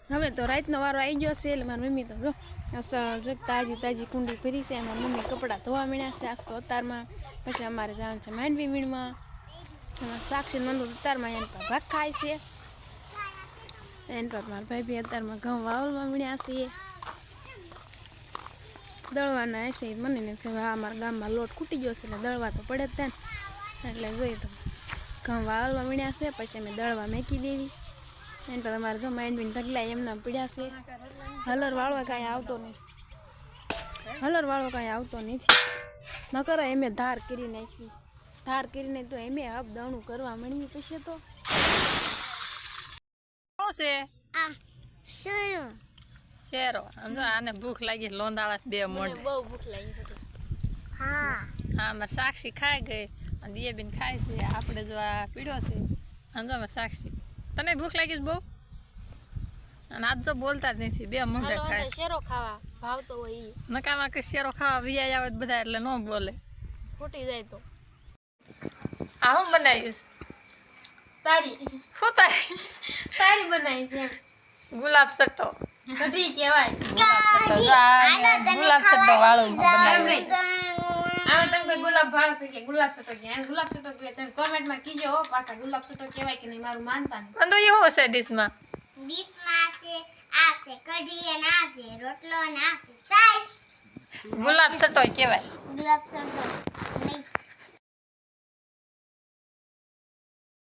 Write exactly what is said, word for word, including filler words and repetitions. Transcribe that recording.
હવે તો રાતનો વારો આવી ગયો છે એટલે મારી મમ્મી તો જો અસલ જો તાજી તાજી કુંડી ભરી છે. મારી મમ્મી કપડાં ધોવા મીણ્યા છે આજ તો અતારમાં. પછી અમારે જવાનું છે માંડવી મીણમાં. સાક્ષી નંદુ અતારમાં એન પર ભાગ ખાય છે. એન પર મારા ભાઈ બી અતારમાં ઘઉં વાવલમાં મીણ્યા છે. દળવાના હશે મને ને હા અમારા ગામમાં લોટ ખૂટી ગયો છે એટલે દળવા તો પડે જ ત્યાં એટલે જોઈએ તો ઘઉં વાવલમાં મીણ્યા છે. પછી અમે દળવા મેકી દેવી. એમ તો તમારે જો માંડવીને ઢગલા એમના પીડ્યા છે. હલર વાળવા કાંઈ આવતો નહીં. હલર વાળો કાંઈ આવતો નથી. ન કરો એમે ધાર કરી નાખી. ધાર કરીને તો એમે હબ દણું કરવા માંડવી પછી તો શું છે આ શેરો શેરો સમજો આને ભૂખ લાગી લોંદાળા બે મોઢે બહુ ભૂખ લાગી હતી. હા હા મારે સાક્ષી ખાઈ ગઈ અને દિયાબેન ખાય છે. આપણે જો આ પીડ્યો છે સમજો અમે સાક્ષી તને ભૂખ લાગી છે બહુ અને આજ જો બોલતા જ નથી બે મોઢે ખાય શેરો ખાવા ભાવતો હોય ઈ નકામાં કે શેરો ખાવા વિયા આવે બધા એટલે ન બોલે ફૂટી જાય તો આ હું બનાવ્યું તારી શું તારી તારી બનાવી છે ગુલાબ સટ્ટો કઢી કહેવાય. ગુલાબ સટ્ટો વાળું બનાવ્યું આમે તમે કોઈ ગુલાબ ભાળ છે કે ગુલાબ સટો કે ગુલાબ સટો કે તમે કોમેન્ટમાં કીજો હો પાછા ગુલાબ સટો કહેવાય કે નહીં મારું માનતા નહીં. પણ તો એ શું છે ડીશમાં ડીશમાં છે આ છે કઢી અને આ છે રોટલો અને આ છે સાઈસ ગુલાબ સટ્ટો કહેવાય ગુલાબ સટો નહીં